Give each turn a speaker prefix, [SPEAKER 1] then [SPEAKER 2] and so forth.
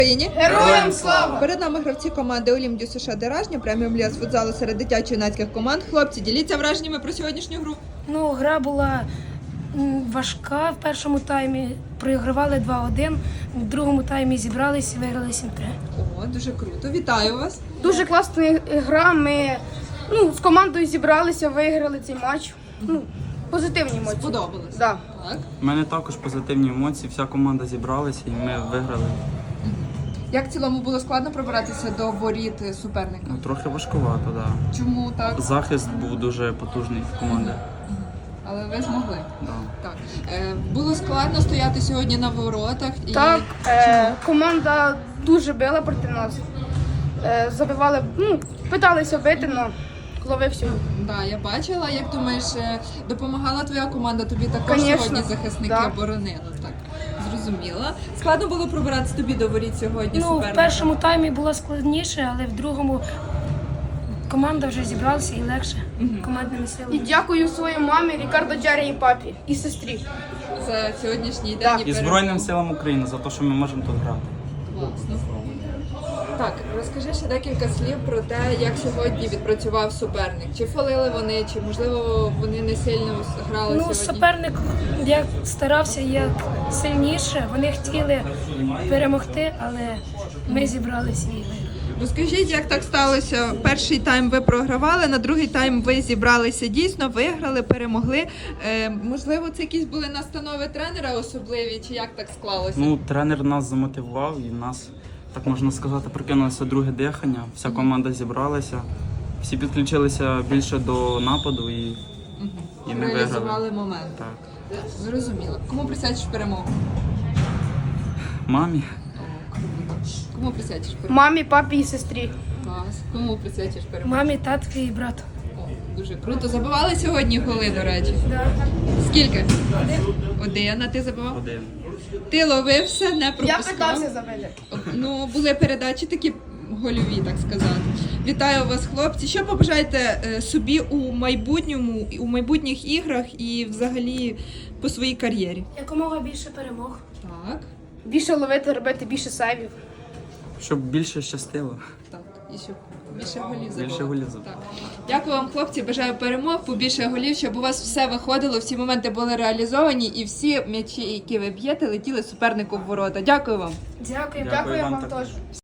[SPEAKER 1] Героям слава!
[SPEAKER 2] Перед нами гравці команди Олімпію США Деражня, преміум ліга з футзалу серед дитячо-юнацьких команд. Хлопці, діліться враженнями про сьогоднішню гру.
[SPEAKER 3] Гра була важка в першому таймі. Проігравали 2-1, в другому таймі зібрались і виграли 7-3.
[SPEAKER 2] О, дуже круто. Вітаю вас.
[SPEAKER 1] Дуже класна гра. Ми з командою зібралися, виграли цей матч. Позитивні емоції.
[SPEAKER 2] Сподобалось?
[SPEAKER 1] Да.
[SPEAKER 2] Так.
[SPEAKER 4] У мене також позитивні емоції, вся команда зібралася і ми виграли.
[SPEAKER 2] Як в цілому було складно пробиратися до воріт суперника?
[SPEAKER 4] Трохи важкувато, так. Да.
[SPEAKER 2] Чому так?
[SPEAKER 4] Захист був дуже потужний в команди.
[SPEAKER 2] Але ви змогли.
[SPEAKER 4] Да.
[SPEAKER 2] Так. Було складно стояти сьогодні на воротах.
[SPEAKER 1] Так, команда дуже била проти нас. Забивали, питалися бити, але ловив сьогодні.
[SPEAKER 2] Да, я бачила. Як думаєш, допомагала твоя команда? Тобі також
[SPEAKER 1] Конечно,
[SPEAKER 2] сьогодні захисники
[SPEAKER 1] да.
[SPEAKER 2] боронили? Так, зрозуміла. Складно було пробиратися тобі до воріт сьогодні
[SPEAKER 3] В
[SPEAKER 2] суперника?
[SPEAKER 3] першому таймі було складніше, але в другому команда вже зібралася і легше. Командними
[SPEAKER 1] І
[SPEAKER 3] силами.
[SPEAKER 1] дякую своїй мамі, Рікардо Джарі і папі, і сестрі.
[SPEAKER 2] За сьогоднішній
[SPEAKER 1] Да.
[SPEAKER 2] день
[SPEAKER 4] І Збройним силам України за те, що ми можемо тут грати.
[SPEAKER 2] Класно. Так, розкажи ще декілька слів про те, як сьогодні відпрацював суперник. Чи фалили вони, чи можливо вони не сильно грали сьогодні?
[SPEAKER 3] Суперник як старався як сильніше. Вони хотіли перемогти, але ми зібралися і виграли.
[SPEAKER 2] Розкажіть, як так сталося? Перший тайм ви програвали, на другий тайм ви зібралися дійсно, виграли, перемогли. Можливо, це якісь були настанови тренера особливі, чи як так склалося?
[SPEAKER 4] Тренер нас замотивував і нас, так можна сказати, прикинулося друге дихання. Вся команда зібралася, всі підключилися більше до нападу і ми виграли.
[SPEAKER 2] Реалізували момент.
[SPEAKER 4] Так.
[SPEAKER 2] Зрозуміло. Кому присвячиш перемогу?
[SPEAKER 4] Мамі.
[SPEAKER 2] Кому присвячиш перемогу?
[SPEAKER 1] Мамі, папі і сестрі.
[SPEAKER 2] Клас. Кому присвячиш перемогу?
[SPEAKER 3] Мамі, татові і брату.
[SPEAKER 2] О, дуже круто. Забивали сьогодні голи, до речі?
[SPEAKER 3] Да.
[SPEAKER 2] Скільки? Один. А ти забивав?
[SPEAKER 4] Один.
[SPEAKER 2] Ти ловив все, не
[SPEAKER 1] Я
[SPEAKER 2] пропускав?
[SPEAKER 1] питався забити.
[SPEAKER 2] Були передачі такі гольові, так сказати. Вітаю вас, хлопці. Що побажаєте собі у майбутньому, у майбутніх іграх і взагалі по своїй кар'єрі?
[SPEAKER 3] Якомога більше перемог.
[SPEAKER 2] Так,
[SPEAKER 1] Більше ловити, робити більше сейвів.
[SPEAKER 4] Щоб більше щастило.
[SPEAKER 2] так. І щоб більше голів забивати.
[SPEAKER 4] Більше голів забивати.
[SPEAKER 2] Так. Дякую вам, хлопці. Бажаю перемог, побільше голів, щоб у вас все виходило, всі моменти були реалізовані і всі м'ячі, які ви б'єте, летіли супернику в ворота. Дякую вам.
[SPEAKER 3] Дякую.
[SPEAKER 1] Дякую
[SPEAKER 4] вам
[SPEAKER 1] вам
[SPEAKER 4] також.
[SPEAKER 1] теж.